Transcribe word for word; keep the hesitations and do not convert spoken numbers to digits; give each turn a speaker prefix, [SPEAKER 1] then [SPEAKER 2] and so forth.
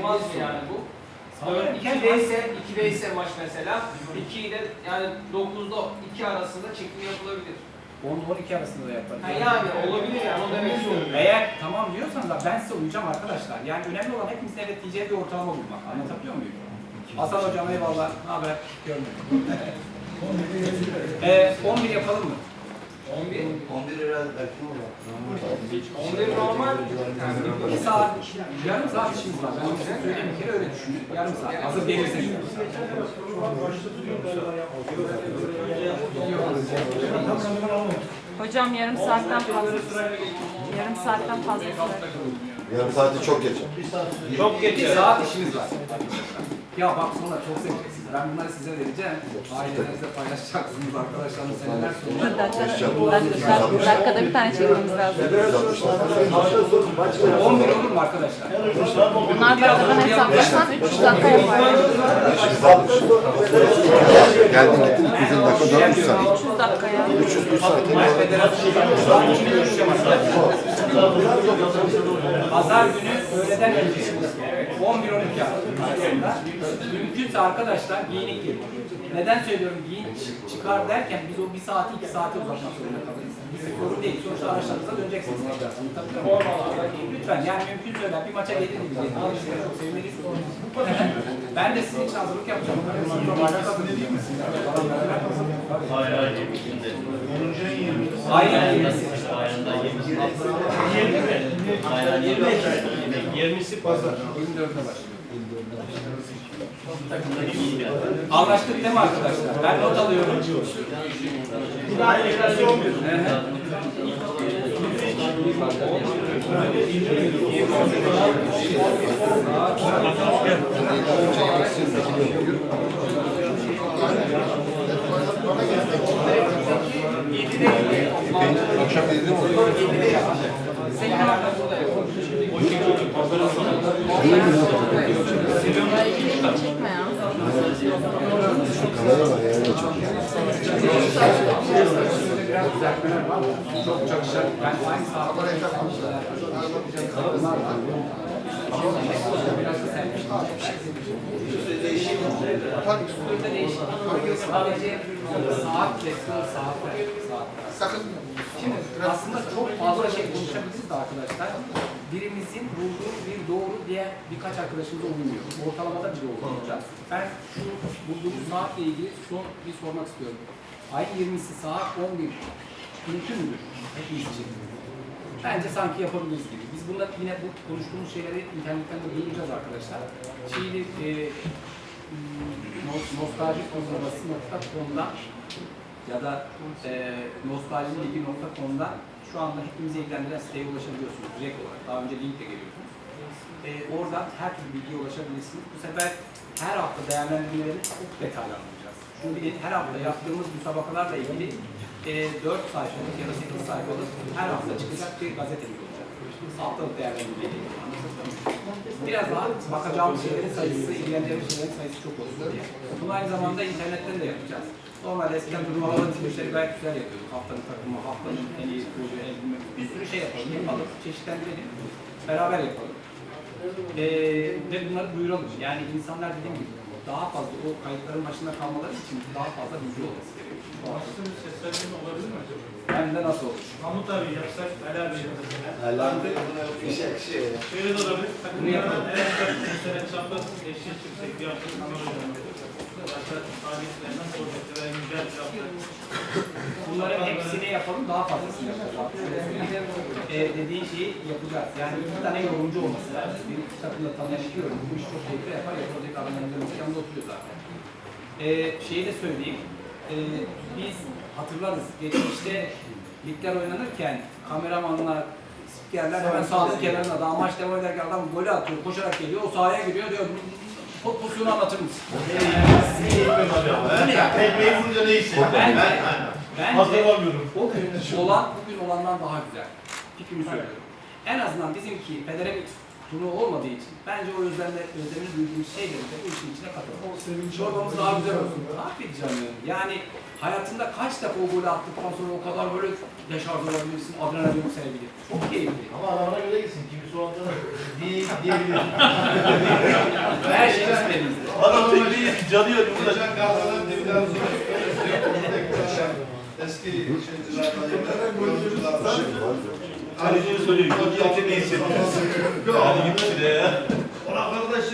[SPEAKER 1] olmaz mı yani bu? ikide ise ikide ise maç mesela iki ile yani dokuzda iki arasında çekim yapılabilir.
[SPEAKER 2] on on iki arasında da yaparız.
[SPEAKER 1] Ha yani olabilir yani o demek istiyorum.
[SPEAKER 2] Eğer tamam diyorsan da ben size uyacağım arkadaşlar. Yani önemli olan hepimizin evet diyeceği bir ortalama bulmak. Anlatabiliyor muyum? Hasan hocam eyvallah. Ne haber? Görmedim. ee, on bir yapalım mı?
[SPEAKER 1] on bir.
[SPEAKER 3] on bir herhalde belki olur.
[SPEAKER 1] on bir normal.
[SPEAKER 2] Bir saat, yarım saat işimiz var. Ben size söyleyeyim bir kere öyle düşünün. Yarım saat. Hazır gelirseniz.
[SPEAKER 4] Hocam yarım saatten fazla. Yarım saatten fazla sürer.
[SPEAKER 3] Yarım saati çok geç.
[SPEAKER 1] Çok
[SPEAKER 2] Bir
[SPEAKER 1] geçiyor.
[SPEAKER 2] saat işimiz var. Ya bak sonra çok seveceksiniz. Ben bunları size vereceğim. Ailelerinizle paylaşacaksınız arkadaşlarınız seneler sonra.
[SPEAKER 4] Dakikada, dakikada bir tane çekmemiz lazım.
[SPEAKER 2] on bir olur mu arkadaşlar?
[SPEAKER 4] Onlar dakikadan hesaplasan üç yüz dakika yapar.
[SPEAKER 3] Geldin gittin iki yüz dakika dört yüz saat.
[SPEAKER 4] üç yüz dakika ya.
[SPEAKER 3] üç yüz bir saat.
[SPEAKER 2] Maç federasyonu için görüşeceğim arkadaşlar. Pazar günü öğleden önce on bir on iki arasında mümkünse arkadaşlar giyinik gelin. Neden söylüyorum giyin çıkar derken biz o bir saati iki saate uzatmak zorunda kalırız. Bir sorun değil. Sonuçta araçlarınıza döneceksiniz. Lütfen yani mümkün söyler bir maça gelir gibi. Çok seviniriz. Ben de sizin için hazırlık yapacağım.
[SPEAKER 5] Hayır hayır yirmisinde.
[SPEAKER 2] Aynen yirmisi.
[SPEAKER 5] Ayında yirmisi. yirmi mi? Aynen yirmi. yirmisi pazar.
[SPEAKER 2] yirmi dörtte başlıyor.
[SPEAKER 5] Takımda iyi yani.
[SPEAKER 2] Anlaştık değil mi arkadaşlar? Ben not alıyorum.
[SPEAKER 5] Bir daha enflasyon bir.
[SPEAKER 3] Akşam yedide mi oluyor?
[SPEAKER 4] Çekme ya.
[SPEAKER 3] Kamera var yani çok.
[SPEAKER 2] Biraz düzeltmeler var. Çok çok şey. Ben aynı saatte bunlar var. Biraz da serpiştim. Burada değişiklik sadece saat kesiyor, saat saat. Şimdi aslında çok fazla şey konuşabiliriz de arkadaşlar. Birimizin bulduğu bir doğru diye birkaç arkadaşımıza uymuyor. Ortalamada bir doğru olacak. Ben şu bulduğumuz saatle ilgili son bir sormak istiyorum. Ayın yirmisi saat on bir. Mümkün müdür? Hepimiz için. Bence sanki yapabiliriz gibi. Biz bunlar yine bu konuştuğumuz şeyleri internetten de duyuracağız arkadaşlar. Çiğli e, nostaljik uygulaması nokta com'dan ya da e, nostaljiligi nokta com'dan şu anda hepimizi ilgilendiren siteye ulaşabiliyorsunuz direkt olarak. Daha önce linkle geliyorsunuz. E, oradan her türlü bilgiye ulaşabilirsiniz. Bu sefer her hafta değerlendirmeleri çok detaylı anlatacağız. Çünkü her hafta yaptığımız müsabakalarla ilgili e, dört sayfalık ya da sekiz sayfalık her hafta çıkacak bir gazetemiz olacak. Haftalık değerlendirmeleri. Biraz daha bakacağımız şeylerin sayısı, ilgileneceğimiz şeylerin sayısı çok olsun diye. Bunu aynı zamanda internetten de yapacağız. Normalde eskiden turnuvaların tipleri gayet güzel yapıyorduk. Haftanın takımı, haftanın en iyi proje, en bilmem. Bir sürü şey yapalım, yapalım, çeşitlendirelim, beraber yapalım. Ee, ve bunları duyuralım. Yani insanlar dediğim gibi daha fazla o kayıtların başında kalmaları için daha fazla bilgi olması gerekiyor.
[SPEAKER 5] Başka bir seslendirme olabilir mi acaba?
[SPEAKER 2] Hem de nasıl olur?
[SPEAKER 5] Mahmut abi yapsak, Ali abi yapsak.
[SPEAKER 3] Herhalde bir şey bir şey.
[SPEAKER 5] Şöyle de olabilir.
[SPEAKER 2] Bunu yapalım.
[SPEAKER 5] En çok bir sene çapraz eşit yüksek bir hafta kanalıyla. Başka faaliyetlerinden sohbetler ve güzel bir hafta.
[SPEAKER 2] Bunların hepsini yapalım, daha fazlasını yapacağız. Ee, dediğin şeyi yapacağız. Yani iki tane yorumcu olması lazım. Bir takımda tanıyan iki yorumcu. Bu işi çok keyifli yapar, yapılacak adamlarımız yanında oturuyor zaten. Ee, şeyi de söyleyeyim. Ee, biz hatırlarız, geçmişte ligler oynanırken kameramanlar, spikerler hemen sahanın kenarına, daha maç devam ederken adam golü atıyor, koşarak geliyor, o sahaya giriyor diyor, top pozisyonu anlatır mısın?
[SPEAKER 5] Tekmeyi vurunca ne işi?
[SPEAKER 2] Bence, bence
[SPEAKER 5] alamıyorum.
[SPEAKER 2] o gün olan, bugün olandan daha güzel. Fikrimi söylüyorum. En azından bizimki federe bir turnuva olmadığı için bence o özlemle, özlemini duyduğumuz şeyleri de bu işin içine katalım. Çorbamız daha güzel olsun. Aferin canım. Yani hayatında kaç defa o golü attıktan sonra o kadar böyle deşarj olabilirsin, adrenalin yükselebilir. Çok keyifli.
[SPEAKER 5] Ama adamına göre gitsin. Kimisi o anda değil diyebilir.
[SPEAKER 2] her şey isteğimizde.
[SPEAKER 5] Adam tekneyi canıyor. Burada
[SPEAKER 6] Geçen Gazi'den dibinden sonra eski şeycilerden, oyunculardan
[SPEAKER 5] Kaleciye söylüyor. Tekneyi hissediyor. Yani git şuraya ya.
[SPEAKER 6] Ona kardeş